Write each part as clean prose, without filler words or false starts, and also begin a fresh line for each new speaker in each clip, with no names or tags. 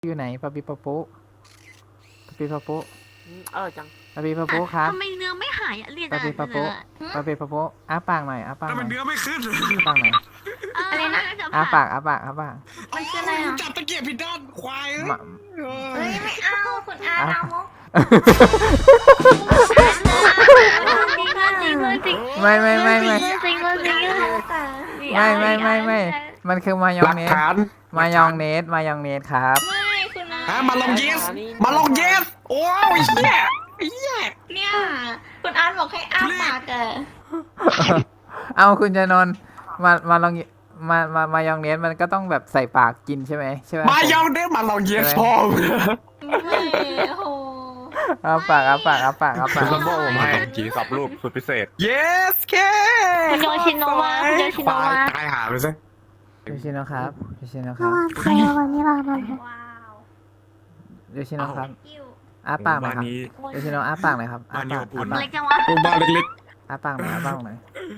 อยู่ไหนปะปิปะโป๊ะปะปิปะโป๊ะ
จัง
ปะปิปะโป๊ะครับ
ทำไมเนื้อไม่หายอะเรียน
ปะปิปะโป๊ะปะปิปะโป๊ะอ้าปากหน่อยอ้าปากห
ทำไม
น่อย
เนื้อไม่ขึ้น
อ้าปากหน่อย
อะไรนะ
อ้าปากอ้าปากอ้าปาก
มันคืออะไรอ่ะ
จับตะเกียบผิดด้านควาย
มา
เฮ้ยไม่เอาคุณอา
อ้า
เอาจริงจริง
ไม่ไม่ไม่ไม่
จริงจริง
ไม่มันคือมายอ
หลั
ง
ก
เนส
ฐาน
มายองเนสมายองเนสครับ
ไม่คุณอา
ฮะมาลองเยสมาลองเยสโอ้ยเหี้ยเหี้ย
เนี่ยคุณอาบอกให้อ้าปากอะ
เอาคุณจะนนท์มาลองมายองเนสมันก็ต้องแบบใส่ปากกินใช่ไหมใช่ไหม
มายองเนสมาลองเยสพ่อ
ไม่โห
อ้าปากอ้าปากอ้าปากอ้าปาก
คุณซัมโบ้ผมให้กี่สับรูปสุดพิเศษ
เยสแค่
คุณโยชิโนวาคุณโยชิโนวา
ตายหาไปซะ
ยูชิโนะครับยูชิโนะครับ
ใครเอาวันนี้เรามา
ว้าว
ยูชิโนะครับ
กิ้ว
อ้าปากหน่อย
บ้าน
ครับ
นี้
ยูชิโนอ้าปากหน่อยครับอ้า
บ้านนี้
ปาก
อบอุ่น
อ้า
เล็
ปาก
กจังวะ
โรงพยาบาลเล็ก
อ้าปากหน่อยอ้าปากหน่อย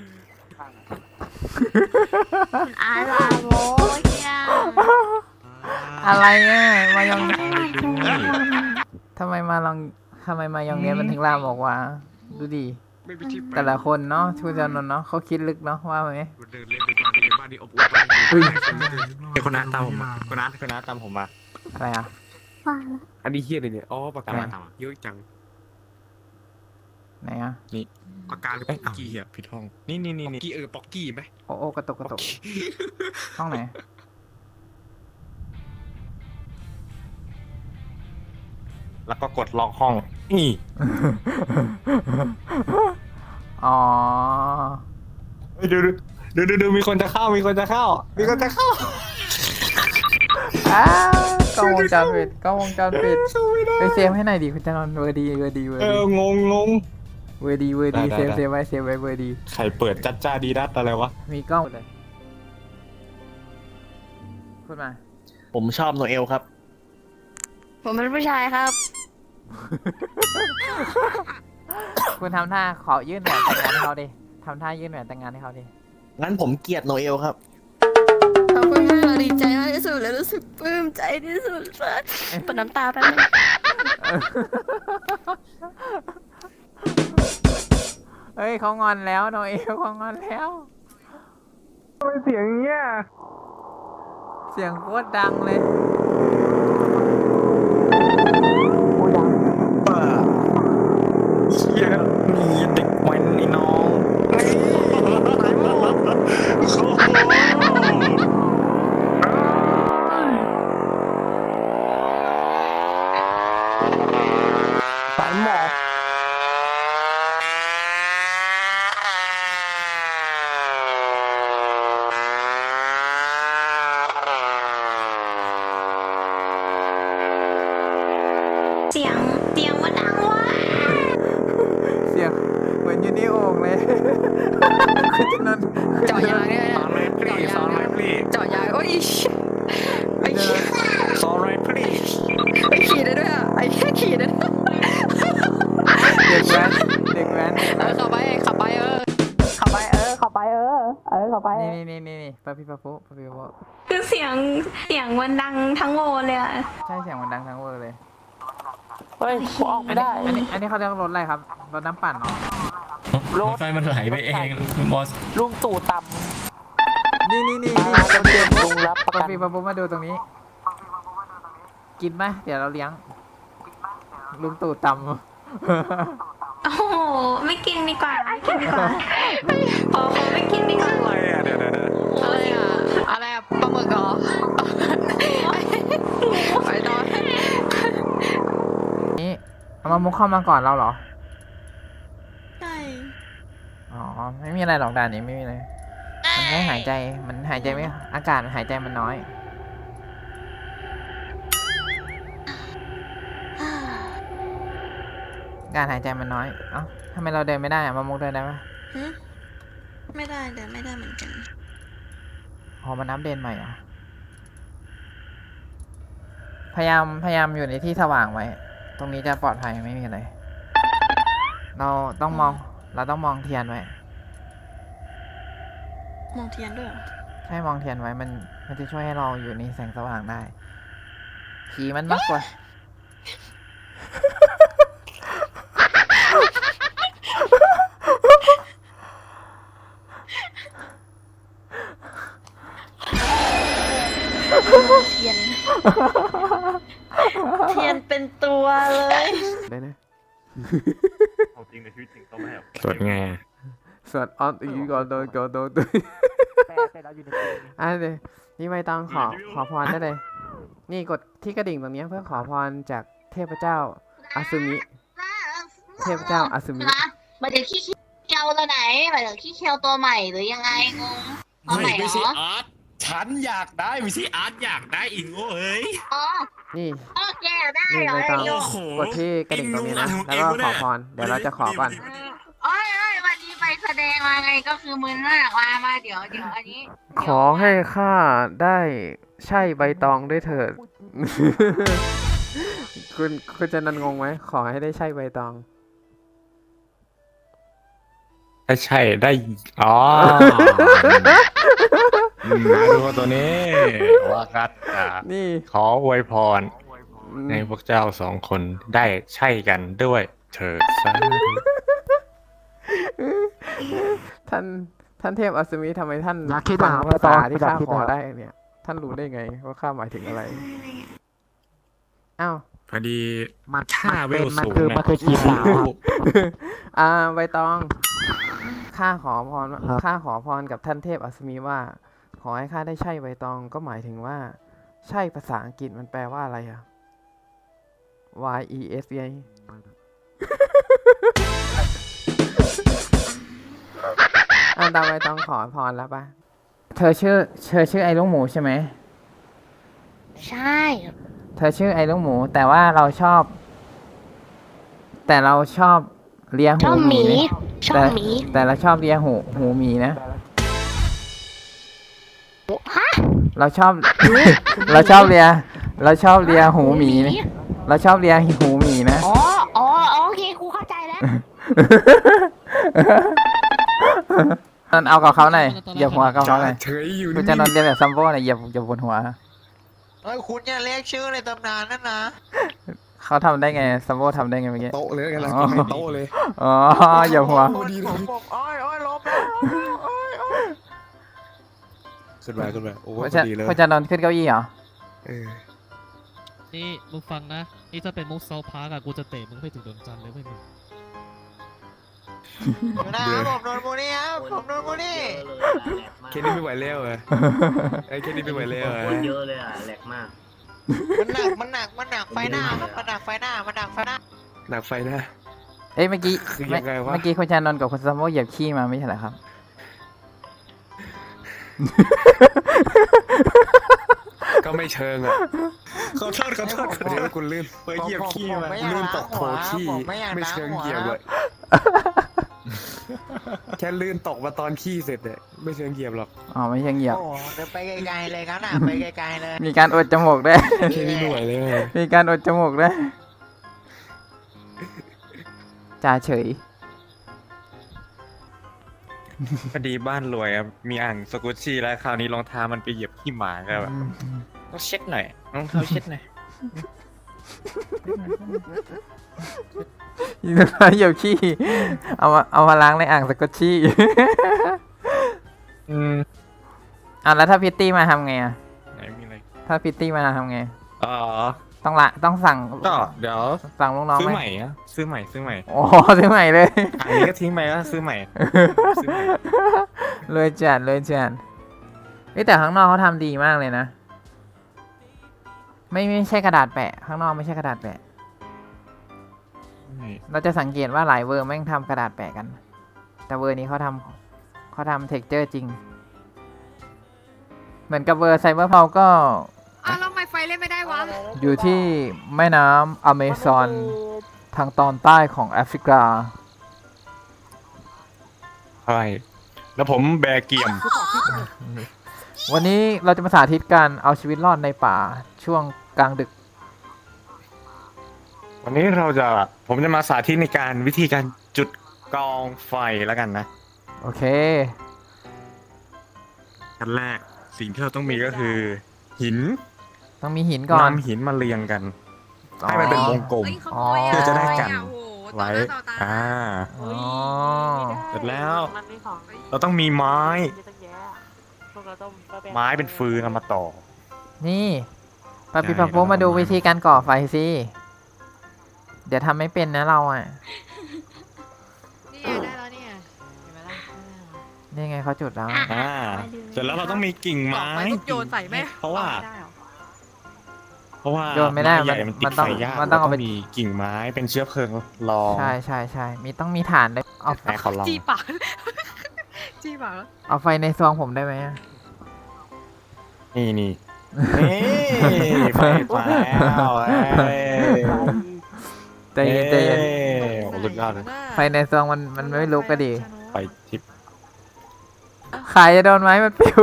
คุณอาลาโมเชีย
อะไรอ่ะมายองทำไมมายองเนี้ยมันถึงลามออกว่าดูดิ
ๆไม่มีที่ไป
แต่ละคนเนาะชูจานนท์เนาะเขาคิดลึกเนาะว่าไหม
เดินเล่นในบ้านนี้อบอุ่น
เฮ้ย
ไอ้คนนั้นตามผมมาคนนั้นตามผมมา
อะไรอ่ะ
ว่า
อันนี้เฮี้ยเลยเนี่ยอ๋อปากกา
อะไร
เยอะจัง
ไหนอ่ะ
ปากกาหรือ
เอ้ย
ป๊อกกี้
เหี้ยผิดห้องนี่
ป๊อกกี้ป๊อกกี้ไหม
โอ้กระตกห้องไหน
แล้วก็กดล็อกห้องนี่
อ๋อ
ดูมีคนจะเข้ามีคนจะเข้า
อ้าวกล้องวงจรปิดไปเซฟให้หน่อยดิคุณจานนท์เวอร์ดีเวอร์ดี
งง
เวอร์ดี
ได้
เซฟไว้เวอร์ดี
ใครเปิดจัดจ้าดีดัดอะไรวะ
มีกล้องเลยพูดมา
ผมชอบโนเอลครับ
ผมเป็นผู้ชายครับ
คุณทำท่าขอยื่นแหวนแต่งงานให้เขาดิทำท่ายื่นแหวนแต่งงานให้เขาดิ
งั้นผมเกลียดโนเอลครับ
ขอบคุณมากเราดีใจมากที่สุดและรู้สึกปลื้มใจที่สุดเลยปนน้ำตาแป๊บนึง
เฮ้ยเขางอนแล้วโนเอลเขางอนแล้วทำไมเสียงเงี้ยเสียงโคตรดังเลย
เชี่ยนี่เด็กแว้นนี่น้องสายหมอบ
เสียงมันดังว่ะ
เสียงเหมือนอยู่ในโอ่งเลย คุณจะนอน
เจาะยางเนี่ย
สอนไรพลีสอนไรพลี
เจาะยางโอ้ยไอ้
สอนไรพลี
ขี่ได้ด้วยอ่ะไอ้แค่ขี่ได้ด้วย
เด็กแว้น
ขับไปขับไปขับไปขับไป
นี่ปะพี่ปะปุ๊ปะพี่ปะปุ๊
คือเสียงมันดังทั้งโวเลยอะ
ใช่เสียงมันดังทั้งเวอร์เลย
เฮ้ยกูออกไม่ได้
อันนี้เขาเรียกรถอะไรครับรถน้ำปั่นเหรอ
รถ
ไฟมันไหลไปเองบอส
ลุงตู่ต่
นี่
ำจะเตรียมลุงรับประ
ปะ
กัน
พี่ปะปุ๊มาดูตรงนี้ กินไหมเดี๋ยวเราเลี้ยงลุงตู่ตำ
โอ้โหไม่กินดีกว่าขอไม่กินดีกว่า
อะไรอ่ะเดี๋ยว
อะไรอ่ะปลาหมึกเหรอไปนอน
นี่เอามามุกเข้ามาก่อนเราเหรอ
ใช่
อ๋อ ไม่มีอะไรหรอกด่านนี้ไม่มีอะไรมันแค่หายใจ มันหายใจไม่ อากาศหายใจมันน้อย การหายใจมันน้อย เอ้าทำไมเราเดินไม่ได้อะมามุกเดินได้ปะ
ไม่ได้เดินไม่ได้เหมือนกัน
อ๋อมันอัปเดตใหม่เหรอ พยายามอยู่ในที่สว่างไว้ ตรงนี้จะปลอดภัยไม่มีอะไร เราต้องมองเทียนไว้
มองเทียนด้วย
ใช่มองเทียนไว้มันจะช่วยให้เราอยู่ในแสงสว่างได้ขี่มันมากกว่า
เทียน เทียนเป็นตัวเลย
ได้นะ
สดไง
สวดออนอีกก่อนโดนก่อนโดนอ่ะเดี๋ยวนี่ไม่ต้องขอพรได้เลย นี่กดที่กระดิ่งตรงนี้เพื่อขอพรจากเทพเจ้าอาซึมิ เทพเจ้าอาซึมิ
หมายถึงขี้เคียวตัวไหนหมายถึงขี้เคียวตัวใหม่หรือยังไงงงตัวใหม่เหรอ
อาร์ตฉันอยากได้ไม่ใช่อาร์ตอยากได้อีกโง่เอ้ย
อ๋อ
นี่
โอเคได้
นี่
เหรอ
ไม่ต้อง
โย
โอ้โห
กดที่กระดิ่งตรงนี้นะ แล้วก็ขอพร เดี๋ยวเราจะขอก่อน
โอ้ยวันนี้ไปแสดงมาไงก็คือมึนมากมาเดี๋ยวอันนี้
ขอให้ข้าได้ใช่ใบตองด้วยเถิด คุณจะนันงงไหม ขอให้ได้ใช่ใบตอง
ถ้าใช่ได้ อ๋อมาดูตัวนี้ ว่ากัด
นี่
ขออวยพร ในพวกเจ้าสองคนได้ใช่กันด้วยเถิดสาธุ
ท่านเทพอัศมีทำไมท่านฟังภาษาที่ข้าขอได้เนี่ย ท่านรู้ได้ไงว่าข้าหมายถึงอะไร อ้าว
พอดี
มัน
ข้าเวลสูง
มันคือจีบสาวครับ
ใบตอง ข้าขอพรกับท่านเทพอัศมีว่า ขอให้ข้าได้ใช่ใบตองก็หมายถึงว่า ใช่ภาษาอังกฤษมันแปลว่าอะไรอะ Y E S ไง ตามใบตองขอพรแล้วปะเธอชื่อไอ้ลูกหมูใช่ไหม
ใช่
เธอชื่อไอ้ลูกหมู แต่ว่าเราชอบเลียหูหมีนะ
ชอบหมี
แต่เราชอบเลียหูหมีนะ
ฮะ
เราชอบเลียหูหมีนะเราชอบเลียหูหมีนะ
อ๋อโอเคครูเข้าใจแล้ว
นนเอากับเขาหน่อยเหยียบหัวกับเขาหน่อย
เฉยอยู่
คุณจะนนเรียนแบบซัมโบ้หน่อยเหยียบบนหัว
เฮ้ยคุณอย่าเรียกชื่อในตำนานนั่นนะ
เขาทำได้ไงซัมโบ้ทำได้ไงเมื่อกี้
โต๊ะเลยกันละกินในโต๊ะเลย
อ๋อเหยียบหัว
พอดีเลย
บอกอ้อยล้มแล้วอ้อย
ขึ้นมาโอ้
คุณ
พ
จะ
อดีเลย
คุณจะนนขึ้นเก้าอี้เหรอ
เออ
นี่มึงฟังนะ นี่ถ้าเป็นมุกเซาพาร์กอะกูจะเตะมึงไปถึงดวงจันทร์เลยไม่มึง
อยู่นะครับผมโดนโมนี่ครับผมโดนโมนี่
แค่นี้ไม่ไหวแล้วเหรอไอ้แค่นี้ไม่ไหวแล้วเหรอ
เยอะเลยอ่ะแหลกมาก
มันหนักไฟหน้าครับมันหนักไฟหน้า
หนักไฟนะ
เอ้ยเมื่อกี้
คือยังไงวะ
เมื่อกี้คุณชานนท์กับคุณซัมโบ้เหยียบขี้มาไม่ใช่เหรอครับ
ก็ไม่เชิงอ่ะ
ขอโทษ
เดี๋ยวกูลื่น
ไปเหยียบขี้มา
ลื่นตกโถขี้ ไม่เชิงเหยียบเลยแค่ลื่นตกมาตอนขี้เสร็จเนี่ยไม่เชิงเหยียบหรอก
อ๋อไม่ใช่เหยียบ
โอ้เดินไปไกลๆเลยครับน่ะไปไกลๆเลย
มีการอดจมูกด้วย
แค่นี้ไม่ไหวแล้วเหรอ
มีการอดจมูกด้วยจ่าเฉย
พอดีบ้านรวยครับมีอ่างสกุชชี่แล้วคราวนี้รองเท้ามันไปเหยียบขี้หมาก็แบบต้องเช็ดหน่อยรองเท้าเช็ดหน่อย
ยินดีเหยียบขี้ เอามาล้างในอ่างสกอตชี่ แล้วถ้าพิตตี้มาทำไงอ่ะ
ไหนมีอะไร
ถ้าพิตตี้มาทำไง
อ๋อ
ต้องสั่ง
ก็เดี๋ยว
สั่งลูกน้อง
ซื้อ
ไห
ให
ม
ม่อะซื้อใหม่
โอ้ซื้อใหม่เลย
อันนี้ก็ทิ้งไปแล้วซื้อใหม่ซื้อใหม่
เลยจัดเฮ้ยแต่ข้างนอกเขาทำดีมากเลยนะ ไม่ใช่กระดาษแปะ ข้างนอกไม่ใช่กระดาษแปะ เราจะสังเกตว่าหลายเวอร์แม่งทำกระดาษแปะกัน แต่เวอร์นี้เขาทำเท็กเจอร์จริง เหมือนกับเวอร์ไซเบอร์พาวก็
แล้วทำไมไฟเล่นไม่ได้วะ
อยู่ที่แม่น้ำอเมซอนทางตอนใต้ของแอฟริกา
ใช่แล้วผมแบกเกียม
วันนี้เราจะมาสาธิตการเอาชีวิตรอดในป่าช่วงกลางดึก
วันนี้ผมจะมาสาธิตในวิธีการจุดกองไฟแล้วกันนะ
โอเค
ขั้นแรกสิ่งที่เราต้องมีก็คือ หิน
ต้องมีหินก่อน
นำหินมาเรียงกัน ให้มันเป็นวงกลม
อ๋อ
เพื่อจะได้กัน
โอ้โห
ไว้
ต่อหน้าต่อตา
อ่า
อ๋อ
เสร็จแล้ว เราต้องมีไม้ ไม้เป็นฟืนเอามาต่อ
นี่ปาปิ
ได้
ปาโปมาดู
เราทำไม้
วิธีการก่อไฟสิ เดี๋ยวทำไม่เป็นนะเราอ่ะ
นี่ไงได้แล้วเนี่ยเห็นไหมล่ะ
นี่ไงเขาจุดแล้ว
อ่า เสร็จแล้วเราต้องมีกิ่ง
ต่อ
ไม้
ไปปุ๊บโยนใส่แม่
เพราะว่า
ไม่ได้หรอ
เพราะว่า
โยนไม่ได้
ใหญ่มันติ
มั
ด
นต้อง
ไฟยาก
มันต้องเอาไป
รมีกิ่งไม้เป็นเชื้อเพลิงรอง
ใช่ใช่ใช่มีต้องมีฐานด้วยเอา
ให้เขาลอง
จี้ปาก จี้ปากแล้ว
เอาไฟในซองผมได้ไหมอะ
นี่นี่ไฟมาแล้วเอ้ย
ใจเย็นใจเย็น
โอ้สุดยอดเลย
ไฟในซองมันไม่ลุกก็ดี
ไฟทิพย์
ขายจะโดนไหมมันปิว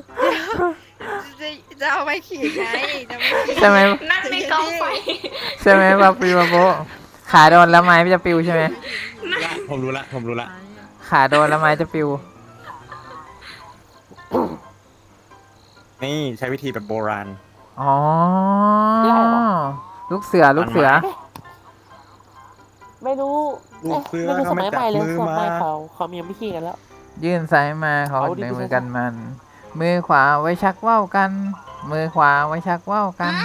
จะเอาไปขี่ไงจะไม่ขี่
ใช่ไหม
นั่นในกองไฟ
ใช่ไหมปาปิปาโปขาโดนแล้วไม้จะปิวใช่ไหม
ผมรู้ละผมรู้ละ
ขาโดนแล้วไม้จะปิว
นี่ใช้วิธีแบบโบราณ
อ๋อ ลูกเสือลูกเสือ
ไม่รู้
ลูกเสือ
ไม่รู้
เขา
ส
ไม่
มัย
จั
ให
บ
ม่เลย
มือ
ส
มา
มัยเขามียังไม่ขี่กันแล้ว
ยื่นซ้ายมาเขา
เอาดิ
ในมือ
พี่
กันมัน มือขวาไว้ชักว่าวกัน มือขวาไว้ชักว่าวกัน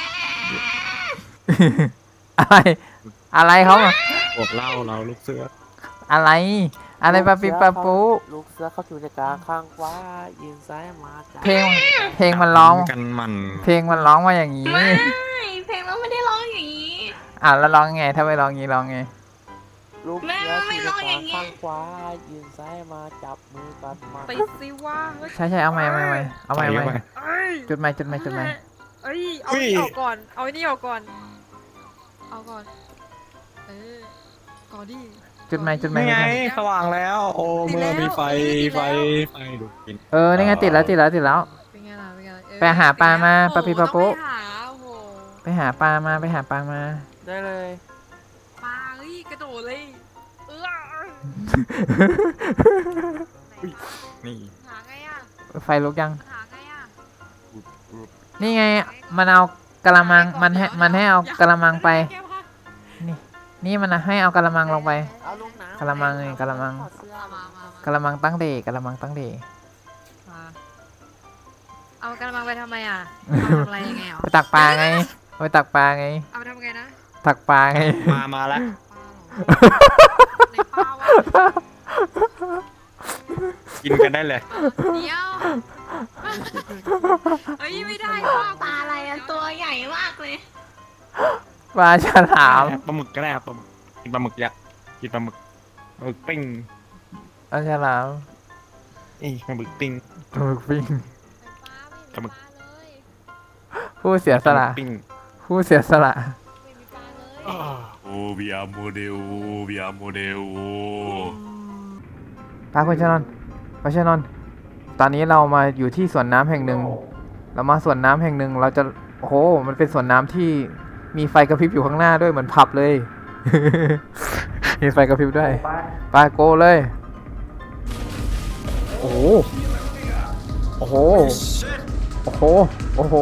อะไร อะไรเขาอะ
บทเล่าเราลูกเสือ
อะไร อะไรปาปิปาปู
ลูกเสือเขาอยู่ในกลางข้างขวายืนซ้ายมาจับ
เพลงมันร้อง
กันมัน
เพลงมันร้องมาอย่างนี้
ไม่เพลงเราไม่ได้ร้องอย่างนี้
อ่ะแล้วร้องไง ถ้าไม่ร้องงี้ร้องไง
ลูกเสืออยู่ในกลางข้างขวายืนซ้ายมาจับมือกันมา
ไปสิว่าเฮ้ย
ใช่ใช่เอาใหม่เอาใหม่เอาใหม่
ใส่
เอาให
เข้า
ม่
ไป
เอ้ย
จุดใหม่จุดใหม่จุดใหม่
เอ้ยเอานี่ออกก่อน เอาไอ้นี่ออกก่อน เอาก่อน เออก่อนดิ
จุดใหม่จุดใหม่
นี่
จุด
ไง
ใหม่
สว่างแล้ว โอ้เมื่อมีไฟไฟดูกิน
เออนี่ไงติดแล้วติดแล้วติดแล้ว
เป็นไงล่ะเป็นไงล่ะเออ
ไปหาปลามา
โอ้โห
ปะปิปะปุ๊
ต้องไปหาโอ้โห
ไปหาปลามาไปหาปลามา
ได้เลย
ปลาเฮ้ยกระโดดเลยเออ
นี่
หาไงอ่ะ
ไฟลุกยัง
หาไงอ่ะ
นี่ไง มันเอากระมัง มันให้เอากระมังไป
แก้ผ้า
นี่มันให้เอากระมังลงไป
เอาลูกน้ำ
กะละมังไงกะละมัง
ถอดเสื้อ
มามาก
ระมังตั้งเดกระมังตั้งเด
มาเอากระมังไปทำไมอ่ะเอาทำอะไรยังไงอ่ะ
ไปตักปลาไงไปตักปลาไง
เอาไปทำไงนะ
ตักปลาไง
มาแล้ว
ปลาเหรอในปลาวะ
กินกันได้เลย
เดี๋ยวเฮ้ยไม่ได้ว่ะ
ปลาอะไรอะตัวใหญ่มากเลย
ปลาฉลาม
ปลาหมึกก็ได้ครับปลาหมึกกินปลาหมึกยักษ์กินปลาหมึกปิ้ง
ปลาฉลาม
ปลาหมึกปิ้ง
ปลาหมึกปิ้ง
ปลาหมึก
ผู้เสียสละ
ปิ้ง
ผู้เสียสละ
โอ้วิอาโมเดลวิอาโมเดล
ปลาคุณชนนท์ปลาชนนท์ตอนนี้เรามาอยู่ที่สวนน้ำแห่งหนึ่ง เรามาสวนน้ำแห่งหนึ่ง เราจะ โอ้โห มันเป็นสวนน้ำที่มีไฟกระพริบอยู่ข้างหน้าด้วยเหมือนผับเลย มีไฟกระพริบด้วยไปโกเลย โอ้โห โอ้โห โอ้โห โอ้โห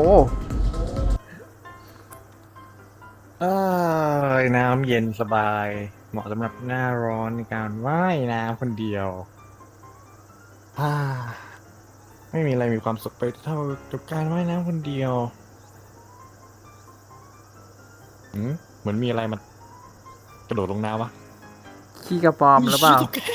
น้ำเย็นสบาย เหมาะสำหรับหน้าร้อนในการว่ายน้ำคนเดียวไม่มีอะไรมีความสุขไปเท่ากับการว่ายน้ำคนเดียวเหมือนมีอะไรมากระโดดลงน้ำวะ
ขี้กระปอมหรือเปล่า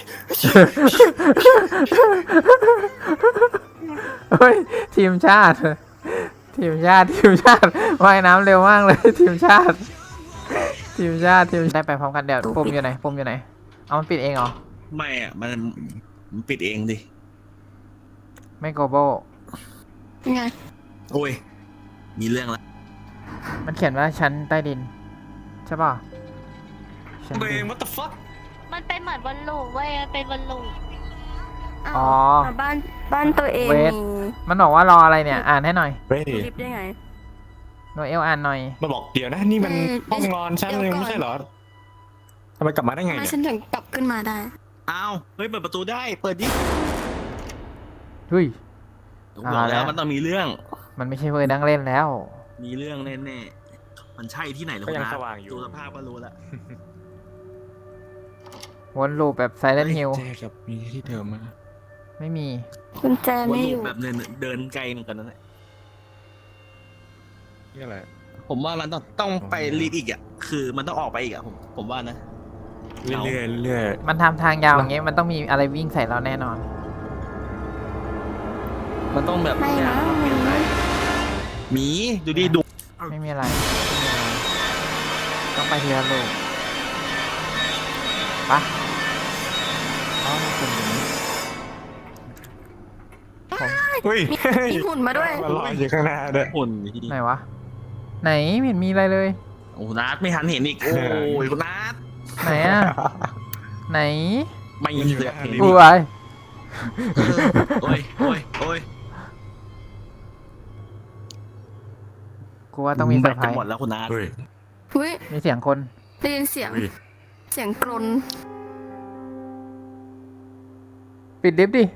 เฮ้ย ทีมชาติ ทีมชาติ ทีมชาติ ว่ายน้ำเร็วมากเลย ทีมชาติ ทีมชาติ ทีมได้ไปพร้อมกันเดี๋ยวปุ่มอยู่ไหนปุ่มอยู่ไหน เอามันปิดเองเหรอ
ไม่อ่ะ มันปิดเองดิ
ไม่โกโบ
ไง
โอ้ย มีเรื่องละ
มันเขียนว่าชั้นใต้ดิน ใช่ป่ะชั้น
ตัวเอ
ดิ
ง
น
what the fuck
มันเป็นเหมือนบอลลูนเว้ยมันเป็นบอลลูน
อ๋อ
บ้านตัวเอง
เวท มันบอกว่ารออะไรเนี่ย อ่านให้หน่อย
เฮ้ย
ลิฟต์ได้ไง
โนเอลอ่านหน่อย
มาบอกเดี๋ยวนะนี่มันห้องนอนฉันเลยไม่ใช่เหรอทำไมกลับมาได้ไง
มา
เนี่ย
ฉันถึงกลับขึ้นมาได้
อ้าว เฮ้ย เปิดประตูได้ เปิดดิ
เฮ้ย
ผมบอกแล้วมันต้องมีเรื่อง
มันไม่ใช่เวอร์ดังเล่นแล้ว
มีเรื่องแน่ๆมันใช่ที่ไหนหรอ
ก็ยัง
นะ
สว่างอยู่
ดูสภาพก็รู้แล้ว
วนลูปแบบไซเลนฮิล
แจกับมีที่เดิมมา
ไม่มี
กุญแจ
วน
ไม่
ลู
อก ยู่
แบบเดินไกลเหมือนกันนั่นแหละ
นี่อะไร
ผมว่ามันต้องไปรีบอีกอ่ะคือมันต้องออกไปอีกอ่ะผมว่านะ
เรื่อยๆเรื่อย
มันทำทางยาวอย่างเงี้ยมันต้องมีอะไรวิ่งใส่เราแน่นอน
มันต้องแบบ
ไม่นะ
หมีดูดิดู
ไม่มีอะไรไม่มีอะไรต้องไปทีละลูกปะอ๋อเป็นอย่างนี้ผม
เฮ้ย
มีหุ่นมาด้วย
มันลอยอยู่ข้างหน้าด้วย
หุ่น
ไหนวะ ไหนไม่เห็นมีอะไรเลย
โอ้นัดไม่ทันเห็นอีกโอ้ยคุณนัด
ไหนอะไหน
ไม่เห็นเลยเห็น
อุ้
อีก
ย
โอ้ยโอ้ยโอ้ย
กูว่าต้องมีเซอร์ไพร
จะ
ส์
หมดแล้วคุณนัด
เฮ้ย
อุ้ย
มีเสียงคน
ได้ยินเสียง
เฮ้ย
เสียงกรน
ปิดลิฟต์ดิ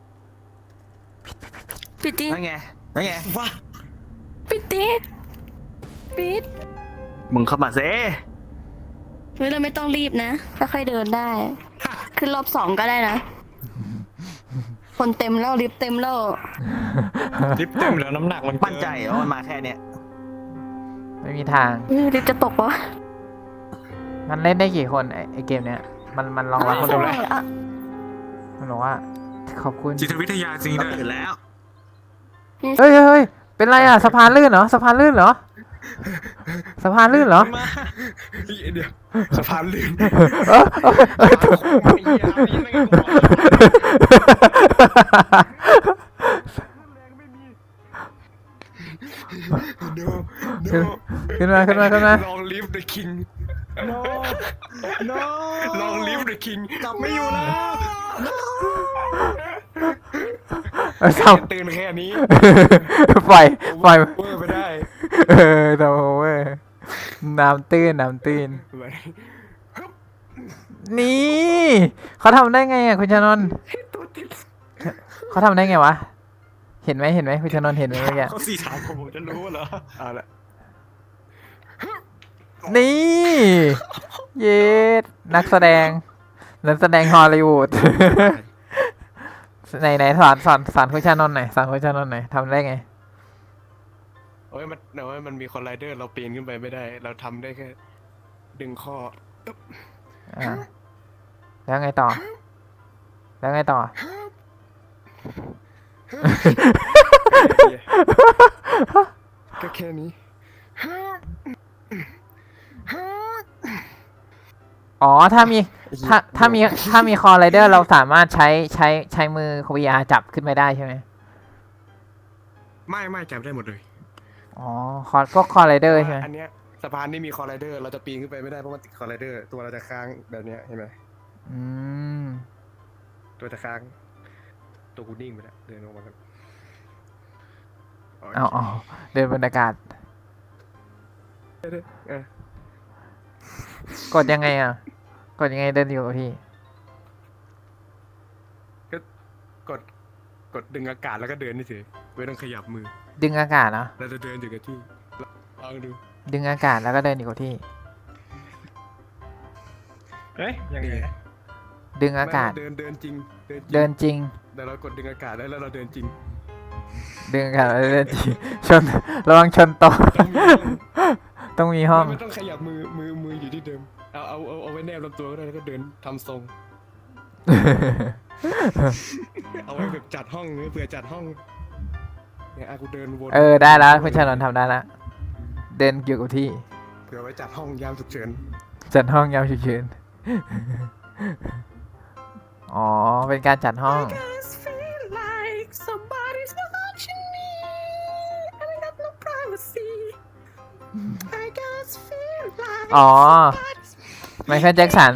ปิดดิ
นั่นไงนั่นไงว้า
ปิดดิปิด
มึงเข้ามาเซ่
เฮ้ยเราไม่ต้องรีบนะค่อยๆเดินได้ ขึ้นรอบ2ก็ได้นะ คนเต็มแล้วลิฟต์เต็มแล้ว
ลิฟต์เต็มแล้วน้ำหนักมันเกิ
มั่นใจว่ามันมาแค่เนี้ย
ไม่มีทาง
ลิฟต์จะตกปะ
มันเล่นได้กี่คนไอเกมเนี้ย มันรองรับคนดูเลย
อ่ะ
มันบอกว่า ขอบคุณ
จิตวิทยาจริง
เรา
ด้วย
ตื่นแล้ว
เฮ้ยเฮ้ยเฮ้ยเป็นไรอ่ะสะพานลื่นเหรอสะพานลื่นเหรอสะพานลื่นเหรอ
มา
เดี๋ยวสะพานลื่น
เออเออเออถูกขึ้นมาขึ้นมาขึ้นมา
ลองลิฟต์ the king
no no
ลองลิฟต์ the king
กลับไม่อยู่แล้ว
ทำ
ตื่นแค่นี้
ปล่อย
เวอร์ไปได้
เออทำโอเวอร์น้ำตื้นน้ำตื้นนี่เขาทำได้ไงอ่ะคุณชนนท์เขาทำได้ไงวะเห็นไหมเห็นไหมคุณชนนท์เห็นไหมเมื่อกี้
เขาสี่ถามผมจะรู้เหรอเอาละ
นี่เย็ดนักแสดงฮอลลีวูด ไหนสอนคุณชานนท์หน่อยสอนคุณชานนท์หน่อยทำได้ไง
โอ้ยมันมีคนไรเดอร์เราปีนขึ้นไปไม่ได้ เราทำได้แค่ดึงข้อ
อ่าแล้วไงต่อ แล้วไงต่อ
ก็แค่นี้
อ๋อถ้ามีคอไรเดอร์เราสามารถใช้มือ VR จับขึ้นไปได้ใช่ไหม
ไม่จับได้หมดเลย
อ๋อพวกคอไรเดอร์ใช่ไหม
อันเนี้ยสะพานนี่มีคอไรเดอร์เราจะปีนขึ้นไปไม่ได้เพราะมันติดคอไรเดอร์ตัวเราจะค้างแบบเนี้ยเห็นไหม
อืม
ตัวจะค้างตัวกูนิ่งไปแล้วเดินลงมาครับ
เอาเดินบรรยากาศ
เออก
ดยังไงอ่ะ กดยังไงเดินอยู่กับพี่
กดดึงอากาศแล้วก็เดินนี่เฉยไม่ต้องขยับมือ
ดึงอากาศเหรอ
เราจะเดินอยู่กับที่ลองดู
ดึงอากาศแล้วก็เดินอยู่กับที่
เอ๊ยยังไง
ดึงอากาศ
เดินจริง
เดินจริง
แต่เรากดดึงอากาศแล้วเราเดินจริง
ดึงอากาศแล้วเดินจริง ชนระวังชนโตะ ต้องมีห้อง
ไม่ต้องขยับมืออยู่ที่เดิมเอาไว้แนบลำตัวก็ได้แล้วก็เดินทำทรง เอาไว้แบบจัดห้องเผื่อจัดห้องเนี่ยกูเดินวน
เออได้แล้วคุณชานนท์ทำได้แล้ว เดินอยู่กับที่
เผื่อไว้จัดห้องยามฉุกเฉิน
จัดห้องยามฉุกเฉิน อ๋อ เป็นการจัดห้อง อ๋อ ไมเคิลแจ็คสัน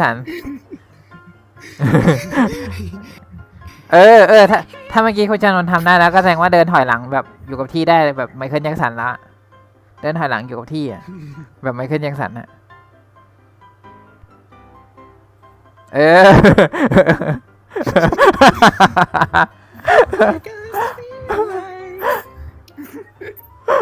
เออ ถ้าเมื่อกี้คุณชานนท์ทำได้แล้วก็แสดงว่าเดินถอยหลังแบบอยู่กับที่ได้แบบไมเคิลแจ็คสันละ เดินถอยหลังอยู่กับที่อ่ะ แบบไมเคิลแจ็คสันอ่ะ เออ